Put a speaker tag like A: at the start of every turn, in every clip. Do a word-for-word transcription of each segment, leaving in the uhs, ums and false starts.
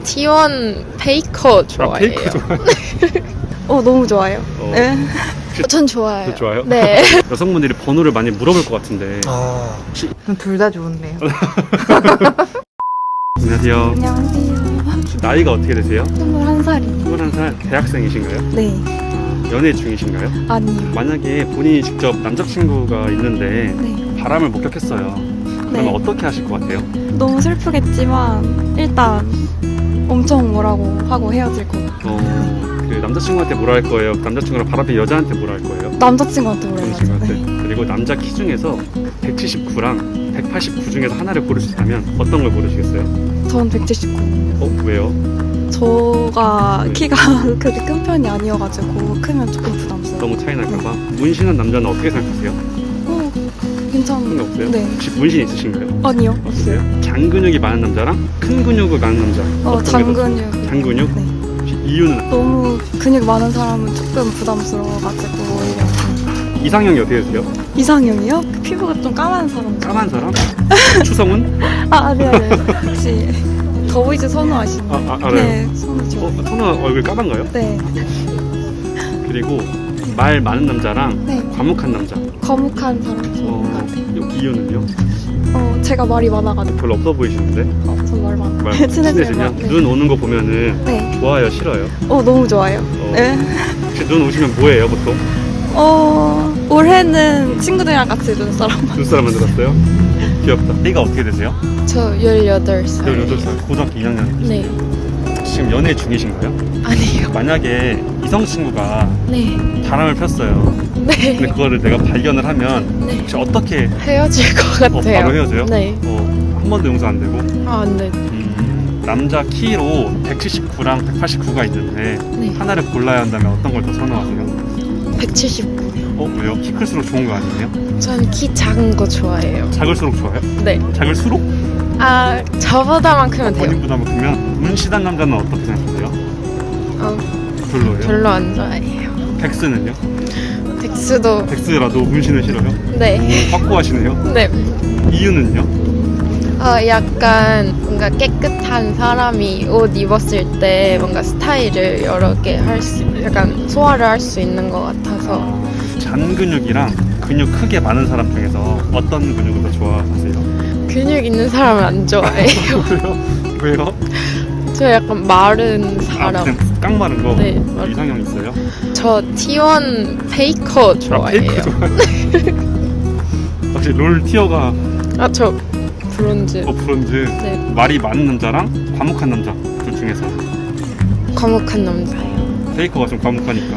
A: 티원 페이커 좋아해요.
B: 아, 페이커 좋아해요?
C: 어 너무 좋아요.
B: 어.
C: 네.
A: 어, 전 좋아요.
B: 저 좋아요?
A: 네.
B: 여성분들이 번호를 많이 물어볼 것 같은데.
D: 아,
C: 둘 다 좋은데요.
B: 안녕하세요.
C: 안녕하세요.
B: 혹시 나이가 어떻게 되세요?
C: 스물한 살이에요.
B: 스물한 살 대학생이신가요?
C: 네.
B: 연애 중이신가요?
C: 아니요.
B: 만약에 본인이 직접 남자친구가 있는데
C: 네.
B: 바람을 목격했어요. 그러면
C: 네.
B: 어떻게 하실 것 같아요?
C: 너무 슬프겠지만 일단 엄청 뭐라고 하고 헤어질 거.
B: 어, 그 남자친구한테 뭐라 할 거예요? 남자친구랑 바람핀 여자한테 뭐라 할 거예요?
C: 남자친구한테 물어야죠.
B: 남자친구한테.
C: 네.
B: 그리고 남자 키 중에서 백칠십구랑 백팔십구 중에서 하나를 고를 수 있다면 어떤 걸 고르시겠어요?
C: 전 백칠십구.
B: 어, 왜요?
C: 저가
B: 네.
C: 키가 그렇게 큰 편이 아니어가지고 크면 조금 부담스러워.
B: 너무 차이 날까봐. 문신한 남자는 어떻게 생각하세요?
C: 어, 괜찮은
B: 그런 게 없어요?
C: 네.
B: 혹시 문신 있으신가요?
C: 아니요.
B: 없으세요? 장근육이 많은 남자랑 큰 근육이 많은 남자.
C: 어,
B: 어떤 게 더-
C: 장근육.
B: 장근육?
C: 네.
B: 혹시 이유는
C: 너무 근육 많은 사람은 조금 부담스러워가지고 오히려
B: 이상형이 어떻게 되세요?
C: 이상형이요? 그 피부가 좀 까만 사람.
B: 까만 사람? 추성훈?
C: 아 아니 아니. 혹시 더보이즈 선호하시나요?
B: 아, 아, 알아요.
C: 네, 선호죠.
B: 어, 선우 얼굴 까만가요?
C: 네,
B: 그리고 말 많은 남자랑
C: 네.
B: 과묵한 남자.
C: 거묵한 사람 좋은 것
B: 어,
C: 같아요.
B: 이- 이유는요?
C: 어, 제가 말이 많아가지고.
B: 별로 없어 보이시는데?
C: 어, 전 말 많아.
B: 말
C: 친해지면.
B: 친해지면
C: 네.
B: 눈 오는 거 보면은
C: 네.
B: 좋아요, 싫어요?
C: 어, 너무 좋아요.
B: 어,
C: 네.
B: 혹시 눈 오시면 뭐예요, 보통?
C: 어, 올해는 친구들이랑 같이 눈사람.
B: 눈사람 만들었어요? 귀엽다. 나이가 어떻게 되세요?
A: 저 열여덟 살.
B: 열여덟 살 고등학교 이 학년.
A: 네.
B: 지금 연애 중이신가요?
A: 아니요.
B: 만약에 이성 친구가
A: 네.
B: 바람을 폈어요. 근데
A: 네.
B: 그거를 내가 발견을 하면
A: 네.
B: 혹시 어떻게
A: 헤어질 것
B: 어,
A: 같아요.
B: 바로 헤어져요?
A: 네.
B: 어, 한 번도 용서 안 되고.
A: 아, 네.
B: 음, 남자 키로 백칠십구랑 백팔십구가 있는데
A: 네.
B: 하나를 골라야 한다면 어떤 걸 더 선호하세요?
A: 백칠십구.
B: 어, 왜요? 키 클수록 좋은 거 아니에요?
A: 전 키 작은 거 좋아해요.
B: 작을수록 좋아요?
A: 네.
B: 작을수록?
A: 아, 저보다만 크면 돼요.
B: 본인보다 크면 문신한 남자는 어떻게 생각하세요?
A: 어,
B: 별로예요?
A: 별로 안 좋아해요.
B: 백스는요?
A: 덱스도
B: 백스라도 문신을 싫어요?
A: 네.
B: 오, 확고하시네요?
A: 네.
B: 이유는요?
A: 어, 약간 뭔가 깨끗한 사람이 옷 입었을 때 뭔가 스타일을 여러 개 할 수, 약간 소화를 할 수 있는 것 같아서
B: 어, 잔 근육이랑 근육 크게 많은 사람 중에서 어떤 근육을 더 좋아하세요?
A: 근육 있는 사람을 안 좋아해요.
B: 왜요? 왜요?
A: 저 약간 마른
B: 아,
A: 사람.
B: 그냥 깡마른 거?
A: 네, 맞-
B: 이상형 있어요?
A: 저 티원 페이커 좋아해요.
B: 아, 페이커 좋아해요? 혹시 롤 티어가
A: 아, 저 브론즈.
B: 어, 브론즈
A: 네.
B: 말이 많은 남자랑 과묵한 남자 둘 중에서
A: 과묵한 남자.
B: 어, 페이커가 좀 과묵하니까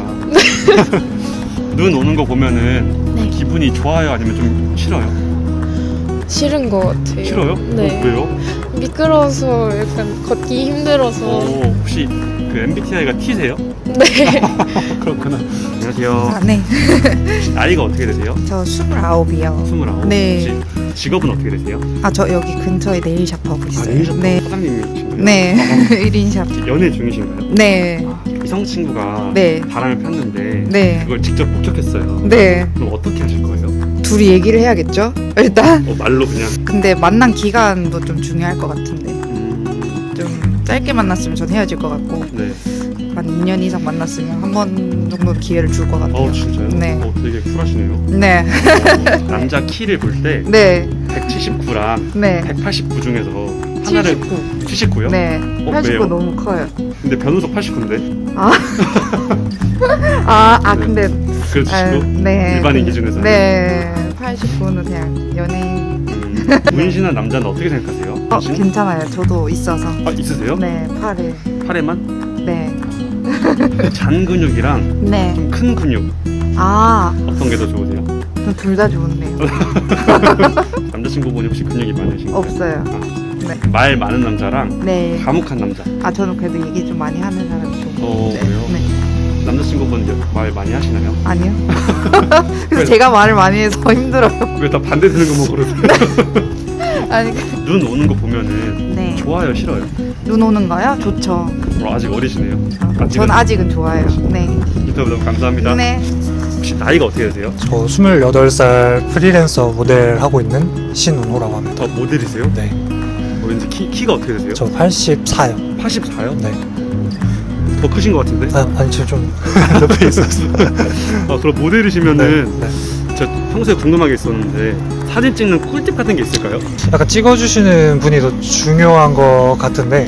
B: 눈 오는 거 보면은
A: 네.
B: 기분이 좋아요 아니면 좀 싫어요?
A: 싫은 것 같아요.
B: 싫어요?
A: 네.
B: 어, 왜요?
A: 미끄러워서 약간 걷기 힘들어서.
B: 어, 혹시 그 엠비티아이가 T세요?
A: 네.
B: 그렇구나. 안녕하세요.
E: 아, 네.
B: 나이가 어떻게 되세요?
E: 저 스물아홉이요.
B: 스물아홉.
E: 네.
B: 혹시 직업은 어떻게 되세요?
E: 아, 저 여기 근처에 네일샵 하고 있어요.
B: 네일샵
E: 네.
B: 사장님이신가요?
E: 네.
B: 아,
E: 일 인샵.
B: 혹시 연애 중이신가요?
E: 네.
B: 이성 친구가
E: 네.
B: 바람을 폈는데
E: 네.
B: 그걸 직접 목격했어요.
E: 네.
B: 그럼 어떻게 하실 거예요?
E: 둘이 얘기를 해야겠죠? 일단.
B: 어, 말로 그냥
E: 근데 만난 기간도 좀 중요할 것 같은데.
B: 음,
E: 좀 짧게 만났으면 전 헤어질 것 같고
B: 네.
E: 한 이 년 이상 만났으면 한 번 정도는 기회를 줄 것 같아요.
B: 어 진짜요?
E: 네.
B: 어, 되게 쿨하시네요.
E: 네.
B: 어, 남자 키를 볼 때
E: 네.
B: 백칠십구랑
E: 네.
B: 백팔십구 중에서 하나를
E: 칠십구.
B: 칠십구요?
E: 네.
B: 어,
E: 팔십구
B: 왜요?
E: 너무 커요.
B: 근데 변호사 팔십구인데
E: 아. 아, 아
B: 네.
E: 근데
B: 그래도
E: 아,
B: 치고
E: 네.
B: 일반인 기준에서는?
E: 네. 팔십구는 그냥 연예인.
B: 음, 문신한 남자는 어떻게 생각하세요?
E: 어,
B: 문신?
E: 괜찮아요. 저도 있어서.
B: 아 있으세요?
E: 네, 팔에.
B: 팔에만?
E: 네.
B: 잔 근육이랑
E: 네.
B: 좀 큰 근육
E: 아,
B: 어떤 게 더 좋으세요?
E: 둘 다 좋은데요.
B: 남자친구분이 혹시 근육이 많으신가요?
E: 없어요.
B: 아,
E: 네.
B: 말 많은 남자랑
E: 네.
B: 과묵한 남자.
E: 아, 저는 그래도 얘기 좀 많이 하는 사람이 좋은 것
B: 어,
E: 같아요.
B: 그래요?
E: 네.
B: 남자친구분 말 많이 하시나요?
E: 아니요.
B: 왜?
E: 그래서 제가 말을 많이 해서 힘들어요.
B: 왜 다 반대되는 것만 고르세요?
E: 아니, 그-
B: 눈 오는 거 보면은
E: 네.
B: 좋아요, 싫어요?
E: 눈 오는 거요? 좋죠.
B: 어, 아직 어리시네요.
E: 어, 전 아직은 좋아요. 네.
B: 인터뷰 너무 감사합니다.
E: 네.
B: 혹시 나이가 어떻게 되세요?
D: 저 스물여덟 살 프리랜서 모델 하고 있는 신운호라고 합니다.
B: 어, 모델이세요?
D: 네.
B: 어, 왠지 키, 키가 어떻게 되세요?
D: 저 팔십사요.
B: 백팔십사요?
D: 네.
B: 더 크신 것 같은데?
D: 아, 아니 저 좀 높이 있었어요.
B: 아, 그럼 모델이시면은
D: 네, 네.
B: 저 평소에 궁금한 게 있었는데 사진 찍는 꿀팁 같은 게 있을까요?
D: 약간 찍어주시는 분이 더 중요한 것 같은데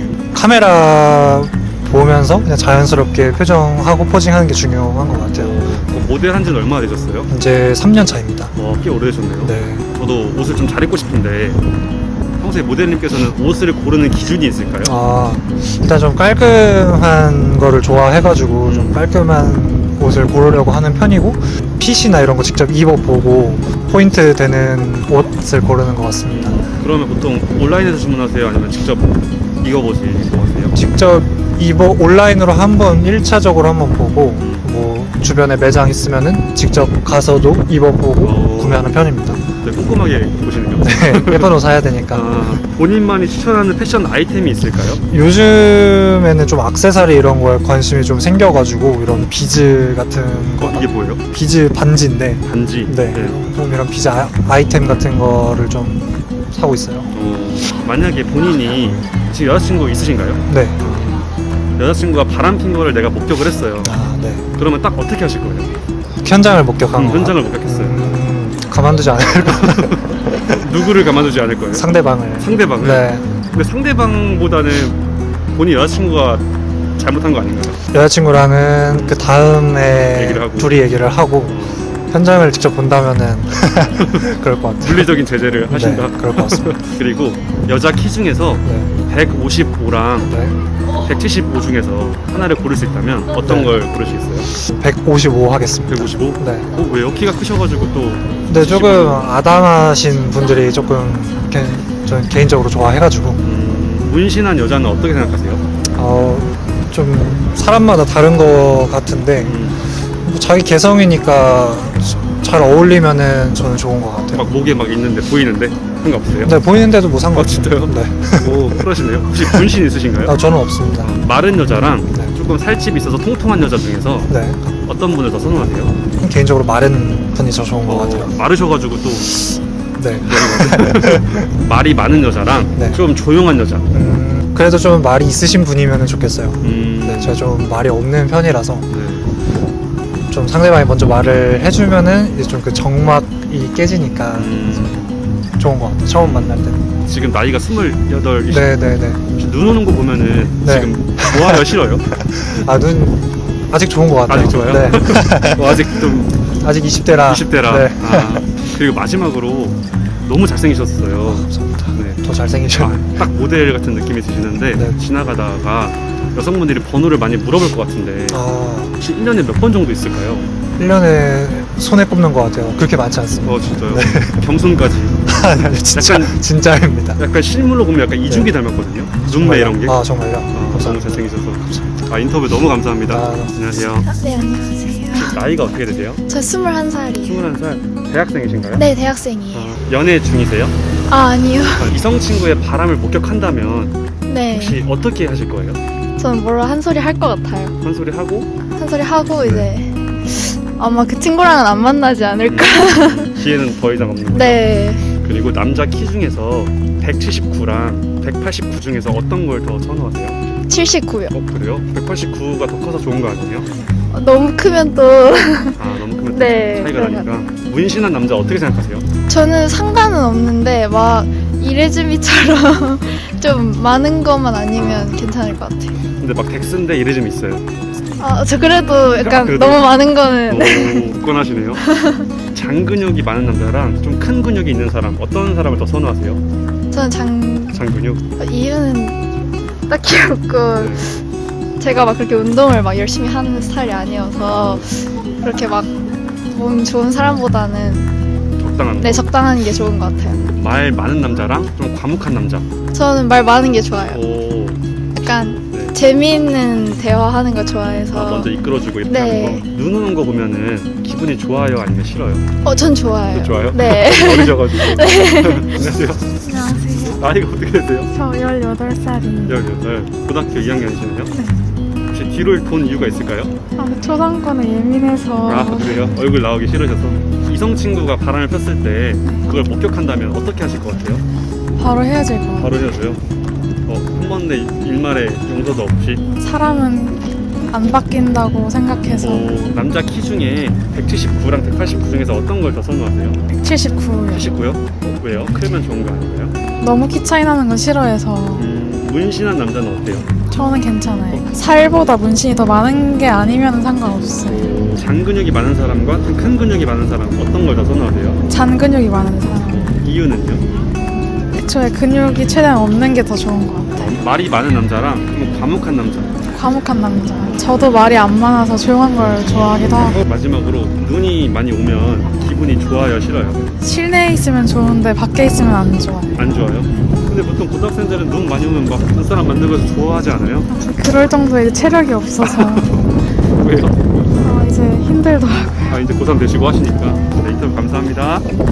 D: 카메라 보면서 그냥 자연스럽게 표정하고 포징하는 게 중요한 것 같아요.
B: 어, 모델 한 지는 얼마나 되셨어요?
D: 이제 삼 년 차입니다.
B: 어, 꽤 오래되셨네요.
D: 네.
B: 저도 옷을 좀 잘 입고 싶은데 평소에 모델님께서는 옷을 고르는 기준이 있을까요?
D: 아, 일단 좀 깔끔한 거를 좋아해가지고 좀 깔끔한 옷을 고르려고 하는 편이고 핏이나 이런 거 직접 입어보고 포인트 되는 옷을 고르는 것 같습니다.
B: 그러면 보통 온라인에서 주문하세요? 아니면 직접 입어보시고 하세요?
D: 직접 입어 온라인으로 한번 일 차적으로 한번 보고 뭐 주변에 매장 있으면은 직접 가서도 입어보고
B: 어.
D: 구매하는 편입니다.
B: 네, 꼼꼼하게 보시는군요.
D: 네, 예쁜 옷 사야 되니까.
B: 아, 본인만이 추천하는 패션 아이템이 있을까요?
D: 요즘에는 좀 액세서리 이런 거에 관심이 좀 생겨가지고 이런 비즈 같은 거,
B: 어, 이게 뭐예요?
D: 비즈 반지인데
B: 반지.
D: 네, 좀 이런 비즈 아, 아이템 같은 거를 좀 사고 있어요.
B: 어, 만약에 본인이 지금 여자친구 있으신가요?
D: 네.
B: 여자친구가 바람핀 거를 내가 목격을 했어요.
D: 아, 네.
B: 그러면 딱 어떻게 하실 거예요?
D: 현장을 목격한
B: 음,
D: 거.
B: 현장을 목격했어요.
D: 음, 가만두지 않을 거.
B: 누구를 가만두지 않을 거예요?
D: 상대방을.
B: 상대방을?
D: 네.
B: 근데 상대방보다는 본인 여자친구가 잘못한 거 아닌가요?
D: 여자친구랑은 그 다음에
B: 얘기를 하고.
D: 둘이 얘기를 하고
B: 어,
D: 현장을 직접 본다면은 그럴 것 같아요.
B: 물리적인 제재를 하신다.
D: 네, 그럴 것 같습니다.
B: 그리고 여자 키 중에서
D: 네.
B: 백오십오랑
D: 네.
B: 백칠십오 중에서 하나를 고를 수 있다면 어떤
D: 네.
B: 걸 고르시겠어요?
D: 백오십오 하겠습니다.
B: 백오십오?
D: 네.
B: 어, 왜요? 키가 크셔가지고 또
D: 근데 조금 아담하신 분들이 조금 개, 저는 개인적으로 좋아해가지고
B: 음, 문신한 여자는 어떻게 생각하세요?
D: 어, 좀 사람마다 다른 것 같은데
B: 음,
D: 뭐 자기 개성이니까 잘 어울리면은 저는 좋은 것 같아요.
B: 막 목에 막 있는데 보이는데 상관없어요?
D: 네, 보이는데도 뭐
B: 아
D: 상관없어요.
B: 진짜요?
D: 네.
B: 오 그러시네요. 혹시 문신 있으신가요?
D: 아, 저는 없습니다.
B: 아, 마른 여자랑
D: 네.
B: 조금 살집이 있어서 통통한 여자 중에서
D: 네.
B: 어떤 분을 더 선호하세요?
D: 개인적으로 마른 분이 더 좋은 것 같아요.
B: 마르셔가지고 또
D: 네.
B: 말이 많은 여자랑
D: 네.
B: 좀 조용한 여자.
D: 음, 그래도 좀 말이 있으신 분이면 좋겠어요.
B: 음,
D: 네, 제가 좀 말이 없는 편이라서
B: 네.
D: 좀 상대방이 먼저 말을 해주면은 이제 좀 그 정막이 깨지니까
B: 음,
D: 좋은 것 같아요. 처음 만날 때.
B: 지금 나이가 스물여덟.
D: 네, 네, 네.
B: 눈 오는 거 보면은
D: 네.
B: 지금 좋아요, 싫어요?
D: 아, 눈 아직 좋은 것 같아요.
B: 아직 좋아요?
D: 네.
B: 어, 아직 좀
D: 아직 이십 대라.
B: 이십 대라.
D: 네.
B: 아, 그리고 마지막으로 너무 잘생기셨어요.
D: 감사합니다.
B: 네.
D: 더 잘생기셨네.
B: 아, 딱 모델 같은 느낌이 드시는데
D: 네.
B: 지나가다가 여성분들이 번호를 많이 물어볼 것 같은데
D: 아,
B: 혹시 일 년에 몇 번 정도 있을까요?
D: 일 년에 손에 꼽는 것 같아요. 그렇게 많지 않습니다.
B: 어 진짜요? 겸손까지.
D: 아니, 아니, 진짜,
B: 약간-
D: 진짜입니다.
B: 약간 실물로 보면 약간 이중기 닮았거든요. 눈매 이런 게.
D: 아, 정말요?
B: 아, 너무
D: 감사합니다.
B: 잘생기셔서. 아 인터뷰 너무 감사합니다.
D: 아,
B: 안녕하세요.
F: 네, 안녕하세요.
B: 나이가 어떻게 되세요?
F: 저 스물한 살이에요.
B: 스물한 살. 대학생이신가요?
F: 네, 대학생이에요.
B: 아, 연애 중이세요?
F: 아, 아니요.
B: 아, 이성 친구의 바람을 목격한다면
F: 네.
B: 혹시 어떻게 하실 거예요?
F: 저는 뭐라 한 소리 할 것 같아요.
B: 한 소리 하고
F: 한 소리 하고 이제 아마 그 친구랑은 안 만나지 않을까.
B: 기회는 더 이상 없는 거죠?
F: 네.
B: 그리고 남자 키 중에서 백칠십구랑 백팔십구 중에서 어떤 걸 더 선호하세요?
F: 칠십구요.
B: 어 그래요? 백팔십구가 더 커서 좋은 거 아니에요?
F: 어, 너무 크면 또
B: 아 너무 크면
F: 네,
B: 차이가
F: 그런
B: 나니까. 문신한 남자 어떻게 생각하세요?
F: 저는 상관은 없는데 막 이레즈미처럼 좀 많은 것만 아니면 괜찮을 것 같아요.
B: 근데 막 덱스인데 이래좀 있어요.
F: 아, 저 그래도 약간
B: 그래도-
F: 너무 많은 거는
B: 오 굳건하시네요. 장근육이 많은 남자랑 좀 큰 근육이 있는 사람 어떤 사람을 더 선호하세요?
F: 저는 장
B: 장근육?
F: 이유는 딱히 없고
B: 네.
F: 제가 막 그렇게 운동을 막 열심히 하는 스타일이 아니어서 그렇게 막 몸 좋은 사람보다는
B: 적당한
F: 네
B: 거.
F: 적당한 게 좋은 것 같아요.
B: 말 많은 남자랑 좀 과묵한 남자.
F: 저는 말 많은 게 좋아요.
B: 오
F: 약간
B: 네.
F: 재미있는 대화하는 거 좋아해서.
B: 아, 먼저 이끌어주고 이렇게
F: 네.
B: 하는 거. 눈 오는 거 보면은 기분이 좋아요 아니면 싫어요?
F: 어, 전 좋아요.
B: 좋아요?
F: 네.
B: 어리셔가지고. 안녕하세요.
G: 안녕하세요.
B: 나이가 어떻게 되세요?
G: 저 열여덟 살이에요.
B: 열여덟. 고등학교 이 학년이시네요? 혹시 뒤를 돈 이유가 있을까요?
G: 아, 근데 초상권에 예민해서
B: 아 그래요? 얼굴 나오기 싫으셔서. 이성 친구가 바람을 폈을 때 그걸 목격한다면 어떻게 하실 것 같아요?
G: 바로 헤어질 것 같아요.
B: 바로 헤어져요? 어, 한 번의 일말의 용서도 없이.
G: 사람은 안 바뀐다고 생각해서
B: 어, 남자 키 중에 백칠십구랑 백팔십구 중에서 어떤 걸 더 선호하세요?
G: 백칠십구요.
B: 칠십구요? 어, 왜요? 크면 좋은 거 아닌가요?
G: 너무 키 차이 나는 건 싫어해서
B: 음, 문신한 남자는 어때요?
G: 저는 괜찮아요. 살보다 문신이 더 많은 게 아니면 상관없어요.
B: 장 근육이 많은 사람과 좀 큰 근육이 많은 사람 어떤 걸 더 선호하세요?
G: 잔 근육이 많은 사람.
B: 이유는요?
G: 애초에 근육이 최대한 없는 게 더 좋은 것 같아요.
B: 어, 말이 많은 남자랑 좀 과묵한 남자.
G: 과묵한 남자. 저도 말이 안 많아서 조용한 걸 좋아하기도 하고.
B: 마지막으로 눈이 많이 오면 기분이 좋아요, 싫어요?
G: 실내에 있으면 좋은데 밖에 있으면 안 좋아요.
B: 안 좋아요? 근데 보통 고등학생들은 눈 많이 오면 막 눈사람 만들고 해서 좋아하지 않아요?
G: 그럴 정도의 체력이 없어서
B: 왜요?
G: 어, 이제 힘들더라고요.
B: 아 이제 고삼 되시고 하시니까. 네, 인터뷰 감사합니다.